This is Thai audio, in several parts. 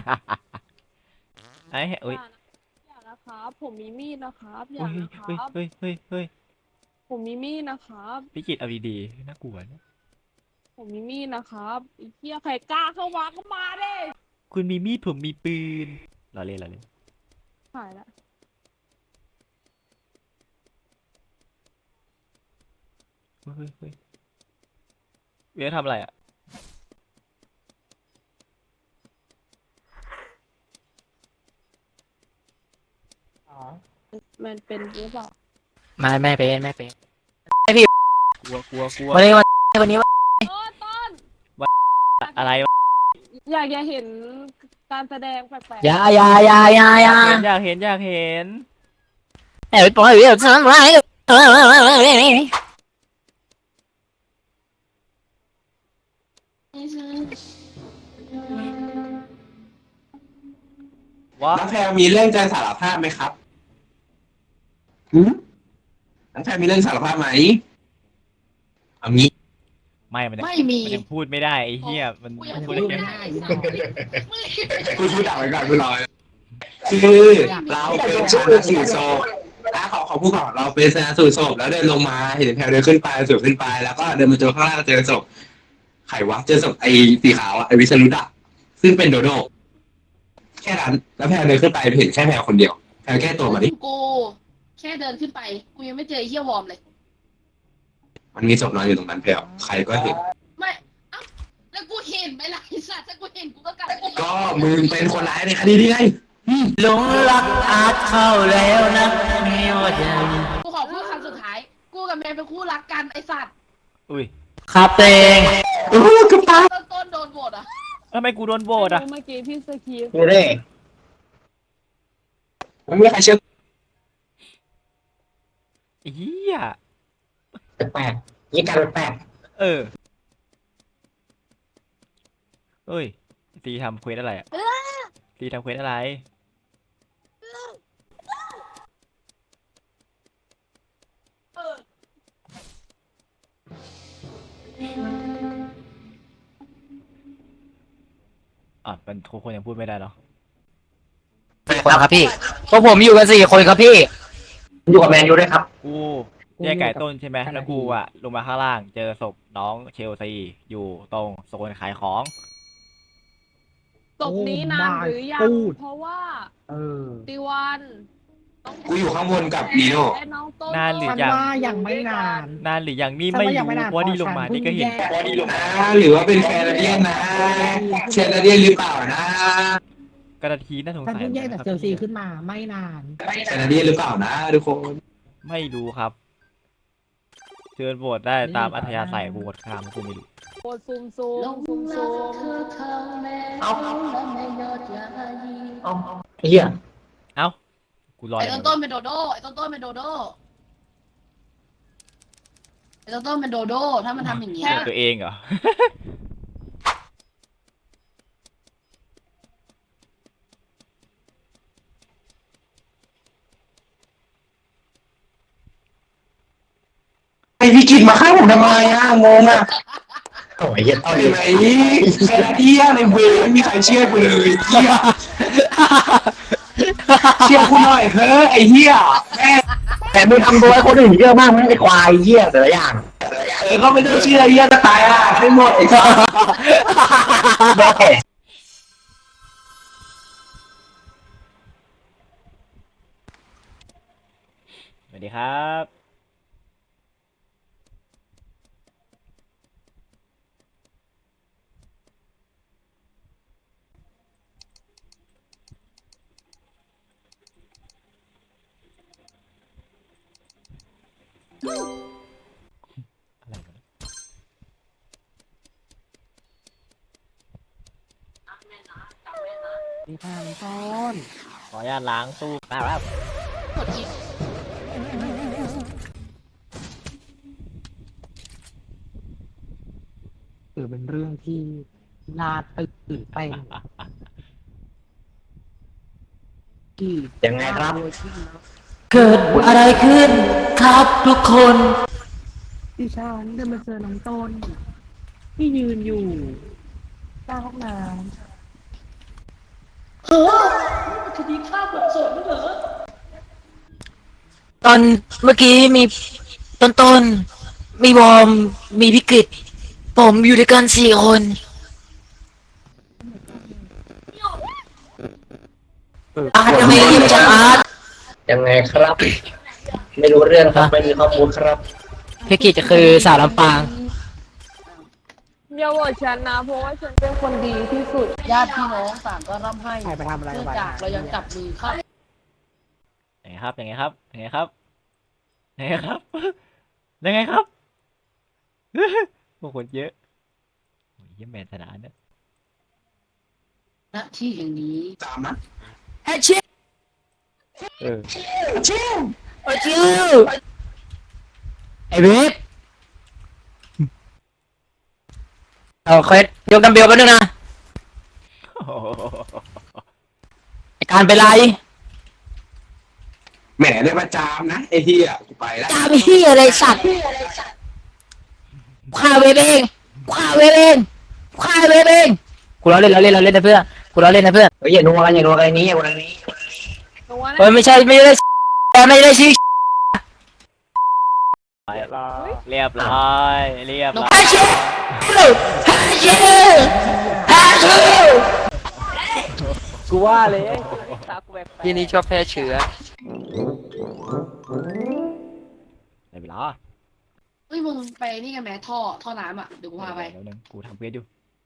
ไอ้เอ้ยอย่านะครับผมมีมีดนะครับอเฮ้ย่ายเฮ้ยนะครับเฮ้ยเฮ้ยเฮ้ยผมมีมีดนะครับพี่กิตเอาดีๆน่ากลัวนะผมมีมีดนะครับไอ้เหี้ยใครกล้าเข้ามาก็มาเด้คุณมีมีดผมมีปืนเราเล่นหายละเฮ้ยเวียทำอะไรอ่ะมันเป็นหรือเปล่าไม่เป็นกลัววันนี้ต้นอะไรวะอยากเห็นการแสดงแปลกอย่าอยากเห็นเอ้ยปล่อยเดี๋ยวทำไรวะน้องแพรมีเรื่องจะสารภาพไหมครับหืมน้องแพรมีเรื่องสารภาพไหมเอางี้ไม่มีมันยังพูดไม่ได้ไอ้เหี้ยมันกูยังพูพูดดได้ไม่แค่ได้คุณพูดดักไว้ก่อนคุณรอคือเราเป็นชนะสูตรศพขอพูดก่อนเราเป็นชนะสูตรศพแล้วเดินลงมาเห็นแพรเดินขึ้นไปสูบขึ้นไปแล้วก็เดินมาเจอข้างล่างเจอศพไขวะเจอศพไอ้สีขาวอะไอ้วิสรุตอะซึ่งเป็นโดโดแค่นั้นแล้วแพรเดินขึ้นไปเห็นแค่แพรคนเดียวแพรแก้ตัวมาดิกูแค่เดินขึ้นไปกูยังไม่เจอไอ้เฮียวอร์มเลยมันมีศพนอนอยู่ตรงนั้นแพรใครก็เห็นไม่เอ้าแล้วกูเห็นไหมล่ะไอ้สัตว์ถ้ากูเห็นกูก็กลับไปก็มึงเป็นคนร้ายในคดีนี้ไงหลงรักอาจเข้าแล้วนะไม่ว่าจะกูขอพูดคำสุดท้าย กูกับแมนเป็นคู่รักกันไอ้สัตว์อุ้ยครับเตงต้นโดนโหวตอ่ะทำไมกูโดนโบดอ่ะเมื่อกี้พี่สกีฟดูดิไม่มีใครเชื่อไอ้เหี้ยแปลกๆยี่การแปลกเออเอ้ยตีทำเควสอะไรอ่ะตีทำเควสอะไรอ่ะมันทุกคนยังพูดไม่ได้เนาะคนครับพี่พวกผมอยู่กัน4 คนครับพี่อยู่กับแมนยูด้วยครับกูแยกไก่ต้นใช่ไหมแล้วกูอ่ะลงมาข้างล่างเจอศพน้องเชลซีอยู่ตรงโซนขายของศพนี้นานหรือยังเพราะว่าติวันน้องกูอยู่ข้างบนกับนีโน่และน้องต้นนานหรือยังยังไม่นานนานหรือยังนี่ไม่รู้เพราะว่านี่ลงมานี่ก็เห็นหรือว่าเป็นแคนาเดียนนะแคนาเดียนหรือเปล่านะกระทีน่าสงฉันสัยเพิ่งแยกจากเชลซีขึ้นมาไม่นานแคนาเดียนหรือเปล่านะทุกคนไม่รู้ครับเชิญโหวตได้ตามอัธยาศัยกูโหวตข้ามกูไม่รู้โคตรซุ่มซุ่ลมงซุ่มรัซุ่กมเธอเข้าแล้วและไม่ยอดยายีเฮียเอ้ากูรอไอ้อย่างต้นเดียวเป็นโดโดไอ้ต้นเป็นโดโดไอ้ต้นเป็นโดโดถ้ามันทำอย่างเงี้ยตัวเองเหรอไอพี่กินมาฆ่าผมทำไมอ่ะงงอ่ะโอ้ยเฮียต่อยไหนแคนาเดียนในเวรไม่มีใครเชื่อกูเลยเฮียเชื่อกูหน่อยเฮ้ยไอเฮียแม่แต่มึงทำตัวให้คนอื่นเยอะมากมึงไอควายเฮียแต่ละอย่างก็ไม่ต้องเชื่อเฮียจะตายอ่ะให้หมดไอ้สัสสวัสดีครับอะไรวะเนี่ยดีทางต้นขออนุญาตล้างตู้นะครับกดอีกถือเป็นเรื่องที่น่าตื่นเต้นที่ยังไงครับเกิดอะไรขึ้นครับทุกคนที่ฉันเดินมาเจอน้องต้น ที่ยืนอยู่หน้าห้องน้คดีฆ่าแบบโสดไม่เหรอตอนเมื่อกี้มีต้นมีบอมมีพิกฤตผมอยู่ด้วยกัน4 คนอาร์ตทำไมรีบจังอาร์ตยังไงครับ ไม่รู้เรื่องครับ ไม่มีข้อมูลครับพิกฤตคือสาวลำปางอย่าโหวตฉันนะ เพราะว่าฉันเป็นคนดีที่สุดญาติพี่น้องต่างก็ร่ำให้ใครไปทำอะไรเนื่องไปจากเรายังจับมือฆ่ายังไงครับยังไงครับยังไงครับยังไงครับยังไงครับพวกคนเยอะโอ้ยเหี้ยแมนชนะเนี่ยณที่แห่งนี้ตามนะไอ้เชี่ยเออไอ้เชี่ยไอ้เว็บเอาเคสยกดัมเบลไปด้วยนะโอ้โหไอ้การเป็นไรแหมได้มาจามนะไอ้เหี้ยกูไปแล้วตามเฮียอะไรสัตว์ฆ่าเว็บเองฆ่าเว็บเองฆ่าเว็บเองกูล้อเล่นนะเพื่อนกูล้อเล่นนะเพื่อนเฮ้ยอย่านัวกันอย่านัวกันนี้อย่านัวกันนี้หนูว่าเฮ้ยไม่ได้ไม่ได้ชื่อเรียบร้อยเรียบร้อยฮาเชลฮาเชลฮาเชลกูว่าเลยที่นี่ชอบแพร่เชื้อได้เวลาเฮ้ยมึงไปนี่กันไหมท่อน้ำอ่ะเดี๋ยวกูพาไปเดี๋ยวนึงกูทำเควสอยู่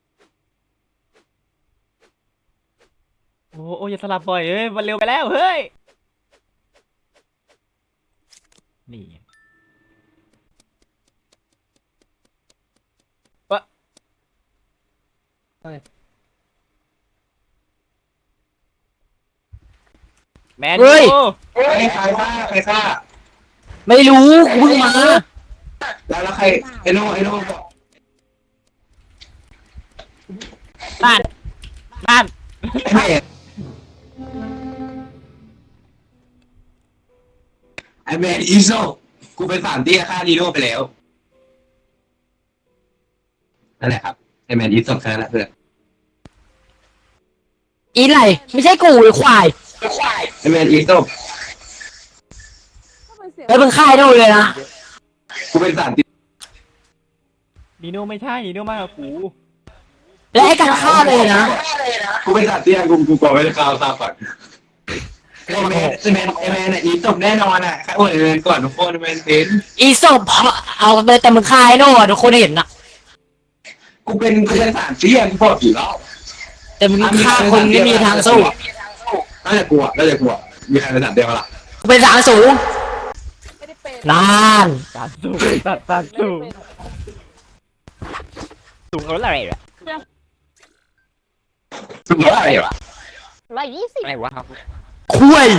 โอ้โอ้อย่าสลับบ่อยเฮ้ยมันเร็วไปแล้วเฮ้ยนี่วะแมนยูใครฆ่าใครฆ่าไม่รู้กูเพิ่งมาแล้วใครไอ้โน่บอกนั่นไอ้แม่ไอ้แม่อีโซกูเป็นสารเตี้ยฆ่าดีโน่ไปแล้วนั่นแหละครับไอ้แมนอีโซแค่นั้นแหละเพื่อนอีไหลไม่ใช่กูไอ้ควายไอ้แมนอีโซแล้วมึงฆ่าไอ้โน่เลยนะกูเป็นสารเตี้ยนีโน่ไม่ใช่นีโน่มากกว่ากูและไอ้การฆ่าเลยนะกูเป็นสารเตี้ยกูบอกไว้ในข่าวทราบก่อนไอ้แมนอ่ะอีโซแน่นอนอ่ะโอ้ยไอ้แมนก่อนทุกคนไอ้แมนเป็นอีศพเอาไปแต่มึงฆ่าไอ้โน่อะทุกคนเห็นนะกูเป็นสารเตี้ยกูบอกอยู่แล้วแต่มึงฆ่าคนไม่มีทางสู้น่าจะกลัวมีใครเป็นสารเตี้ยปะล่ะกูเป็นทางสูงไม่ได้เป็นนานการสู้ตัดสู้สูงเท่าไหร่อะสุดยอดอะไรวะ 120 อะไรวะครับคุย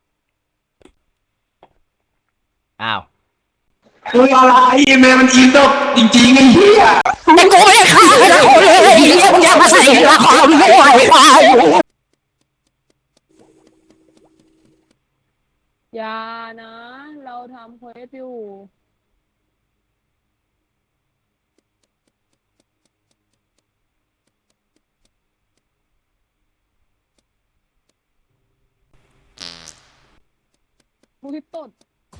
อ้าวคุยอะไรแม่มันอีโซจริงๆไอ้เหี้ยมึงกูไม่ได้ฆ่าใครนะคนเลยไอ้เหี้ยมึงอย่ามาใส่ละครไม่ไหวควายอย่านะ เราทำเควสอยู่ อุ้ยตด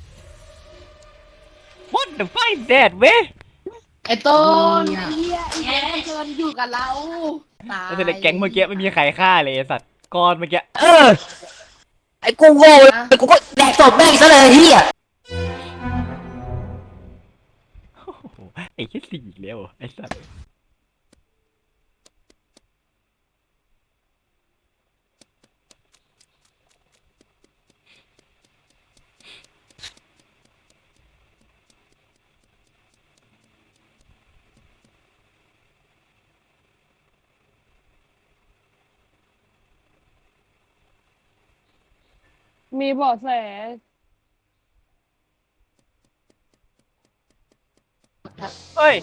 What the fuck is that เว้ยไอ้ต้นไอ้เหี้ยไอ้แกมันเชิญอยู่กับเราตายแต่ในแก๊งเมื่อกี้ไม่มีใครฆ่าเลยไอ้สัตว์ก้อนเมื่อกี้เออไอ้กูโง่เลยกูก็แดกศพแม่งซะเลยเฮียโอ้โหไอ้แค่สี่อีกแล้วเหรอไอ้สัตว์มีเบาะแสเฮ้ย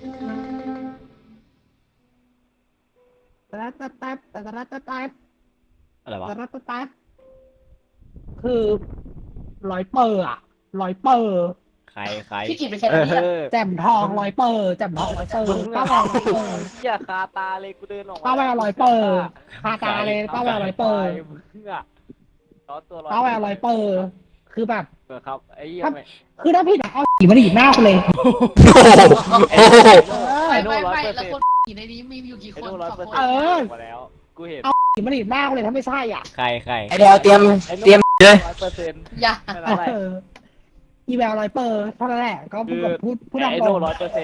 ตะตะตะตะตะตะตะอะไรวะตะตะตะคือร้อยเปอร์อะร้อยเปอร์ใครใครพี่กิจเป็นแค่เอนี้อแจ่มทองร้อยเปอร์แจ่มทองร้อยเปอร์ป้าแววร้อยเปอร์อย่าคาตาเลยกูเดินออกมาป้าแววร้อยเปอร์คาตาเลยป้าแววร้อยเปอร์มึงอะร้อนตัวร้อนป้าแววร้อยเปอร์คือแบบเออครับไอ้เหี้ยไม่คือถ้าพี่นะเอาผีมาดีดหน้ากูเลยโอ้โหไอ้โน่ไม่ร้อยไม่เปอร์แล้วเซ็นคนต์อยู่ในนี้มีอยู่กี่คไอ้นโน่ร้อยสองเปอร์คเซ็นนต์มาแล้วกูเห็นผีมาดีดหน้ากูเลยถ้าไม่ใช่อ่ะใครใครไอเดียวเตรียมไอ้โน่เตรียมเลย 100% อย่าไม่เป็นไรอีแววร้อยเปอร์เท่านั้นแหละก็พูดตามไอ้ตรโน่ง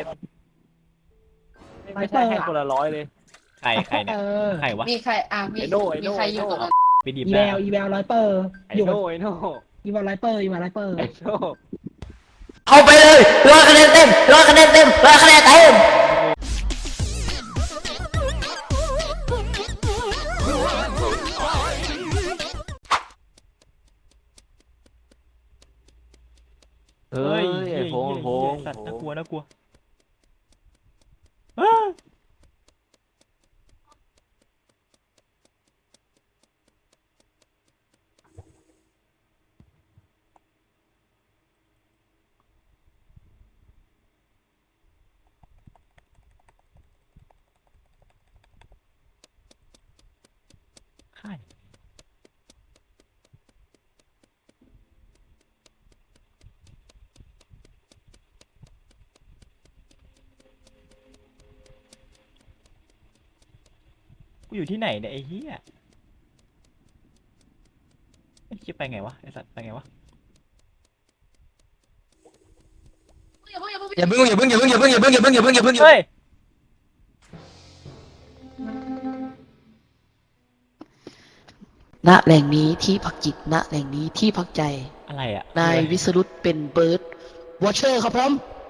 100%ไม่ใช่ให้คนละร้อยเลยใครใครเนี่ยใครวะมีใครมีไอ้โน่ไอ้มีโน่ใครอยู่ตรงนั้นไปดีบอีหแวน้าวอีแววร้อยเปอร์ไอ้อยู่กับโน่ไอ้โน่อีแววร้อยเปอร์อีแววร้อยเปอร์ไอ้โน่เอาไปเลย100 คะแนนเต็ม100 คะแนนเต็ม100 คะแนนเต็มเฮ้ยไอ้โพงโพงสัตว์น่ากลัวน่ากลัวใครกูอยู่ที่ไหนเนี่ยไอ้เหี้ยไอ้เหี้ยไปไงวะไอ้สัตว์ไปไงวะอย่าเพิ่งอย่าเพิ่งอย่าเพิ่งอย่าเพิ่งอย่าเพิ่งอย่าเพิ่งอย่าเพิ่งอย่าเพิ่งอย่าเพิ่งเฮ้ยณแหล่งนี้ที่พักจิตณแหล่งนี้ที่พักใจอะไรอ่ะนายวิสรุตเป็นเบิร์ดวอชเชอร์ครับผม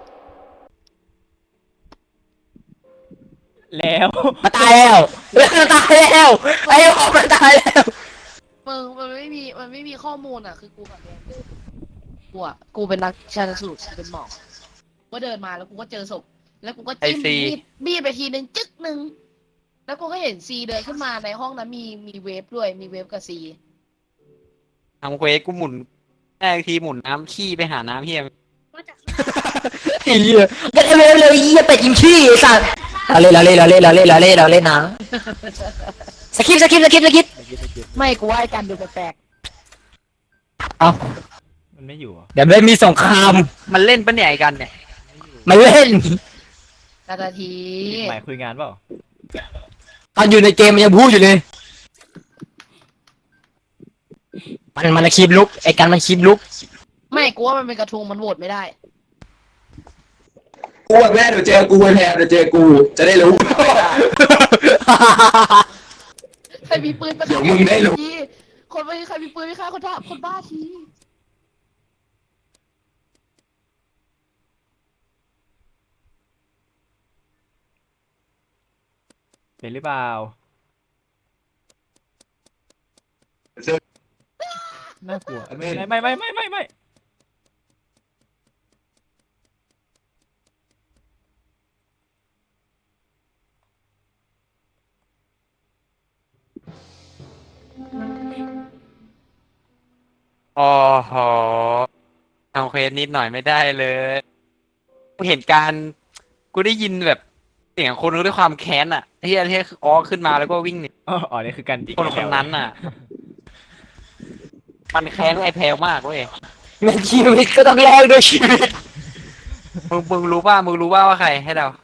แล้วมาตายแล้วมันตายแล้วไอ้โอ้มันตายแล้วมึงมันไม่มีข้อมูลอ่ะคือกูกับแดนเดินกูเป็นนักชันสูตรเป็นหมอก็เดินมาแล้วกูก็เจอศพแล้วกูก็จิ้มมีดไปทีนึงจึ๊กนึงแล้วกูก็เห็นซีเดินขึ้นมาในห้องนั้นมีเวฟด้วยมีเวฟกับซีทำเควสกูหมุนแรกทีหมุนน้ำขี้ไปหาน้ำเฮียไอ้เหี้ยก็ได้เลยเหี้ยเป็ดยิงขี้ไอ้สัตว์เราเล่นนะสกิปไม่กูว่าไอ้กันดูแปลกเอามันไม่อยู่เหรอเดี๋ยวไม่มีสงครามมันเล่นปะเนี่ยไอ้กันเนี่ยมาเล่นนาทีหมายคุยงานเปล่าตอนอยู่ในเกมมันยังพูดอยู่เลยมันคลิปลุกไอ้กันมันคลิปลุกไม่กูว่ามันเป็นกระทุงมันโหวตไม่ได้กูแม่เดี๋ยวเจอกูแทนเดี๋ยวเจอกูจะได้รู้ใครมีปืนเดี๋ยวมึงได้รู้ทีคนไม่ใครมีปืนไม่ฆ่าคนบ้าทีเป็นหรือเปล่าน่ากลัวไม่อ๋อหอทำเควสนิดหน่อยไม่ได้เลยกูเห็นการกูได้ยินแบบเสียงคนด้วยความแค้นอ่ะที่อ๋อขึ้นมาแล้วก็วิ่งหนีอ๋อนี่คือการจิกคนนั้นน่ะ มันแค้นไอ้แพลวมากเว้ยในชีวิตก็ต้องแลกด้วยชีวิตมึงรู้ป่ะว่าใครให้เรา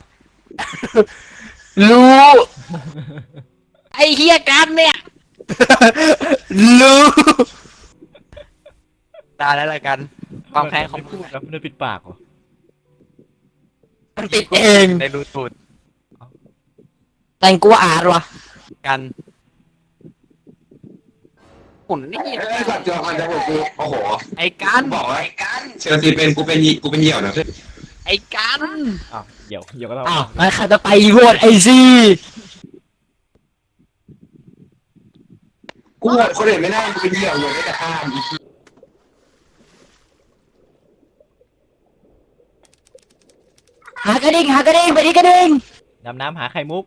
รู้ไอ้เฮียกันเนี่ยรู้ตายแล้วละกัน ความแค้นของพูดแล้วมันปิดปากเหรอมันติดเองได้รู้สูตรแต่งกูอาดวะกันหุ่นนี่ก่อนจะมันจะบอกกูโอ้โหไอ้กันบอกว่าไอ้กันเชลซีเป็นกูเป็นเหยี่ยวนะเพื่อนไอ้กันอ้าวเดี๋ยวก็ต้องอ้าวงั้นใครจะไปโหวตไอซีกูคนอื่นไม่ได้กูเป็นเหยี่ยวอยู่ได้แต่ข้ามหากระดิ่งไปที่กระดิ่งดำน้ำหาไข่มุก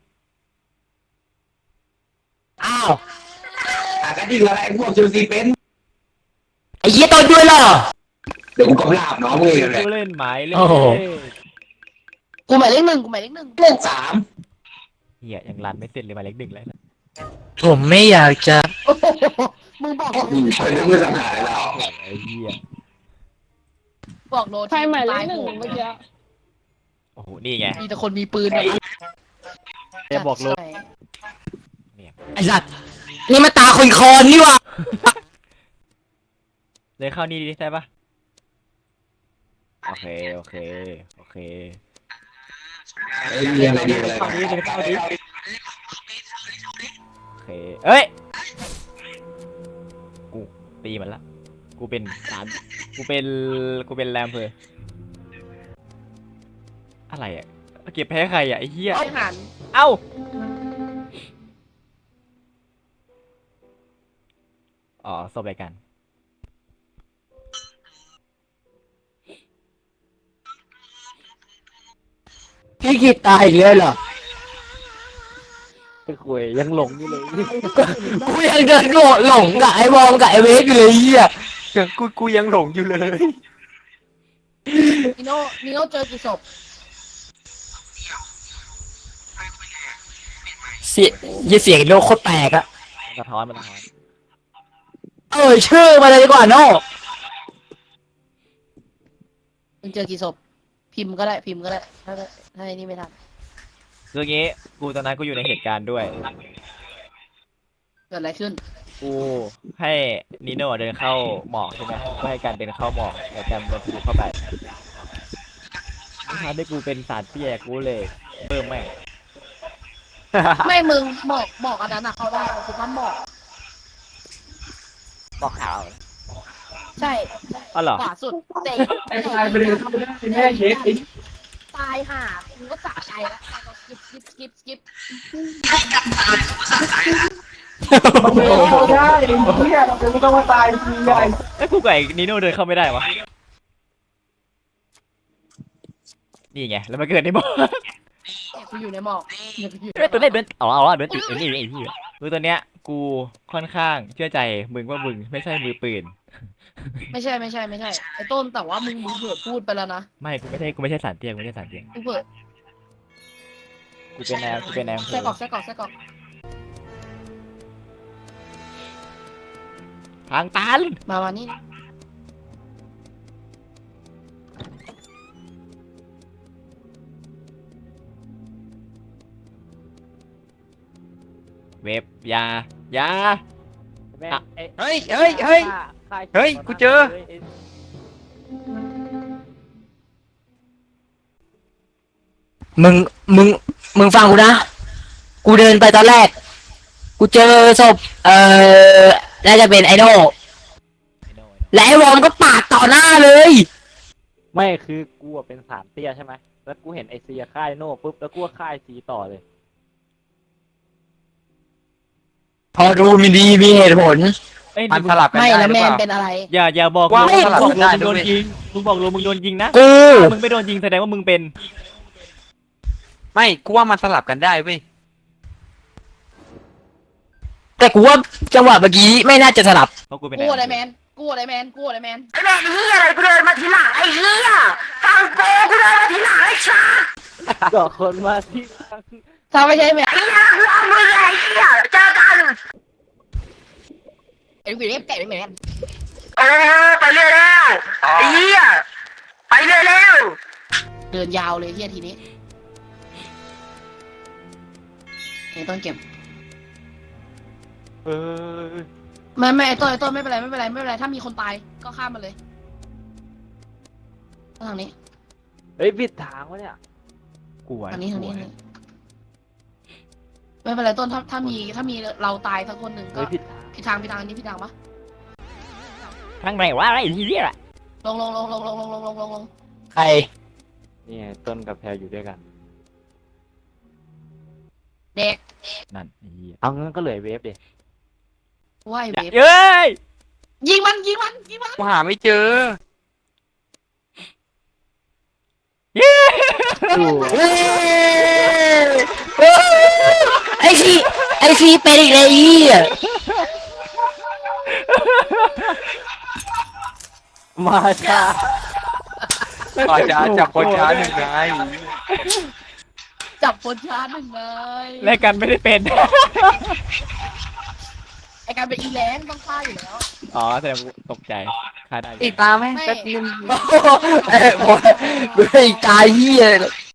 อ้าวก็ดีอะไรพวกเชลซีเป็นไอ้เหี้ยตัวด้วยเหรอเดี๋ยวกูกำลาบน้องมึงเองแหละผู้เล่นหมายเลขโอ้โหกูหมายเลขหนึ่งกูหมายเลขหนึ่งเล่นสามเหี้ยยังรันไม่เสร็จเลยหมายเลขหนึ่งแล้วนะผมไม่อยากจะโอ้โหมึงบอกใช้เรื่องมือสังหารแล้วไอ้เหี้ยบอกโดนใครหมายเลขตหนึ่งโหเมื่อกี้โอ้โหนี่ไงมีแต่คนมีปืนเนี่ยจะบอกเลยใช่ไอ้สัตว์นี่มาตาคนคอนนี่หวะเลยเข้านี่ดิใช่ปะโอเคโอเคโอเคเรียนอะไรดีอะไรเข้านี้เลยเข้านี้โอเคเอ้ยกูตีมันละกูเป็นสามกูเป็นแรมเพออะไรอ่ะเก็บแพ้ใครอ่ะไอ้เหี้ยไอ้หันเอ้าอ๋อศพอะไรกันพี่กิตตายอีกแล้วเหรอไปคุยยังหลงอยู่เลยกูยังเดินหลงกับไอ้บอมกับไอ้เวฟอยู่เลยเฮียกูยังหลงอยู่เลยนิโน่เจอกี่ศพเสียงโลกโคตรแตกอะมันสะท้อนมันสะท้อนชื่อมาเลยดีกว่าโน่มึงเจอกี่ศพพิมพ์ก็ได้ถ้าไอ้นี่ไม่ทันคืออย่างงี้กูตอนนั้นกูอยู่ในเหตุการณ์ด้วยเกิดอะไรขึ้นกูให้นิโน่เดินเข้าหมอกใช่ไหมกูให้การเดินเข้าหมอกแต่การเดินทะลุเข้าไปทำให้กูเป็นสารเตี้ยกูเลยเพิ่มแม่งไม่มึงหมอกอันนั้นอะเขาได้คือน้ำหมอกบอกขาวใช่อ๋อเหรอขวาสุดเตะตายไปเลยแม่เช็คตายห่ามึงก็สะใจแล้วสกิปได้เฮียเราไม่ต้องมาตายทีใหญ่ไอ้ยกูกับไอ้นิโน่เดินเข้าไม่ได้วะนี่ไงแล้วมันเกิดในหมอกกูอยู่ในหมอกเอ้ยตัวเล่นเดินเอาเดินติดไอ้นี่ไอ้พี่คือตัวเนี้ยกูค่อนข้างเชื่อใจมึงว่ามึงไม่ใช่มือปืนไม่ใช่ไอ้ต้นแต่ว่ามึงเผื่อพูดไปแล้วนะไม่กูไม่ใช่สารเตี้ยกูไม่ใช่สารเตี้ยกูเผื่อกูเป็นแนวไส้กรอกทางตันมานี่เว็บยา อ่ะเฮ้ยกูเจอมึงฟังกูนะ กูเดินไปตอนแรก กูเจอศพน่าจะเป็นไอโน่และไอ้วอมก็ปาดต่อหน้าเลยไม่คือกูอะเป็นสารเตี้ยใช่ไหมแล้วกูเห็นไอซีค่ายโน่ปุ๊บแล้วกูก็ค่ายซีต่อเลยพอดูมีเหตุผลเอ้ยมันสลับกันไม่ได้แล้วหรือแมเปนล่าเป็นอะไรอย่าบอกว่ามึงสลับบอกกันได้มึงโดนด้วยยิงมึงบอกมึงโดนยิงนะกูถ้ามึงไม่โดนยิงแสดงว่ามึงเป็นไม่กูว่ามันสลับกันได้เว้ยแต่กูว่าจังหวะเมื่อกี้ไม่น่าจะสลับเพราะกูเป็นกูอะไรแมนไอ้แม่งเฮียอะไรกูเดินมาทีหลังไอ้เฮียฟังโปกูเดินมาทีหลังไอ้ชาก็คนมาที่ถ้าไม่ใช่แมนไอ้เฮียคือเอามือไอ้เฮียเจอกันไอ้กูเรียกแกะไม่แมนไปเรื่อยแล้วไอ้เฮียไปเรื่อยแล้วเดินยาวเลยเฮียทีนี้ต้นเก็บเออไม่ไอ้ต้นไม่เป็นไรถ้ามีคนตายก็ข้ามมาเลยทางนี้เฮ้ยผิดทางวะเนี่ยกูอะทางนี้ไม่เป็นไรต้นถ้ามีเราตายสักคนหนึ่งก็เฮ้ยผิดทางผิดทางอันนี้ผิดทางปะทางไหนวะไอ้ที่เรียกอะลงใครนี่ไงต้นกับแพรอยู่ด้วยกันเด็กนั่นไอ้เหี้ยเอางั้นก็เหลือเวฟดิว่ายเวฟเอ้ยยิงมันกูหาไม่เจอเฮ้ยไอซีเป็นอีกเลยไอ้เฮียมาช้าก่อนจะจับคนช้าหนึ่งไงจับคนช้าหนึ่งเลยและกันไม่ได้เป็นไอการเป็นอีแรงต้องฆ่าอยู่แล้วอ๋อแสดงว่าตกใจฆ่าได้อยู่อีกตาไหมไม่แป๊บนึงเอ้ยบอยอีกตาเหี้ยเลย